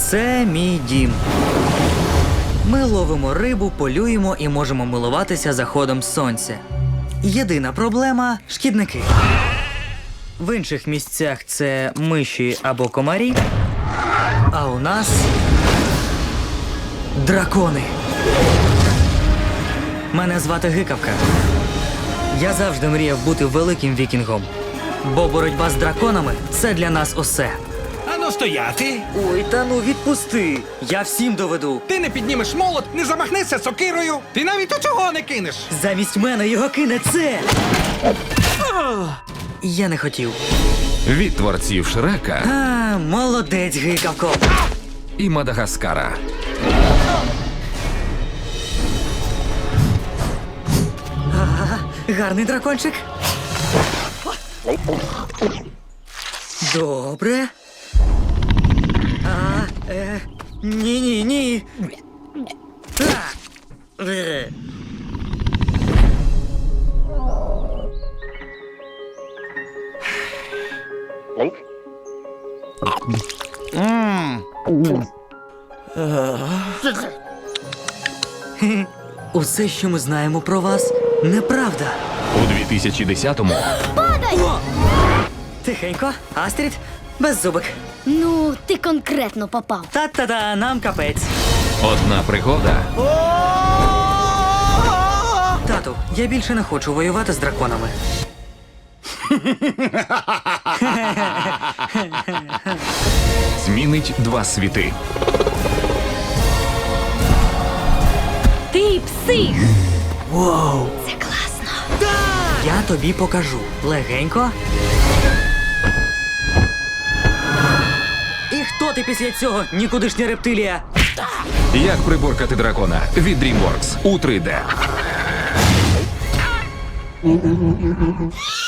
Це мій дім. Ми ловимо рибу, полюємо і можемо милуватися заходом сонця. Єдина проблема – шкідники. В інших місцях це миші або комарі, а у нас дракони. Мене звати Гикавка. Я завжди мріяв бути великим вікінгом, бо боротьба з драконами – це для нас усе. Ану стояти! Ой, та ну відпусти! Я всім доведу. Ти не піднімеш молот, не замахнешся сокирою, ти навіть у цього не кинеш. Замість мене його кине це! Я не хотів. Від творців Шрека А, молодець, Гикавко. і Мадагаскара. Гарний дракончик. Добре. Ні. Усе, що ми знаємо про вас, неправда. У 2010-му Тихенько, Астрід, беззубик. Ну, ти конкретно попав. Та-та-та, нам капець. одна пригода Тату, я більше не хочу воювати з драконами. змінить два світи. Ти псих! Воу! Це класно. Я тобі покажу. Легенько. І хто ти після цього, нікудишня рептилія? Як приборкати дракона від DreamWorks у 3D.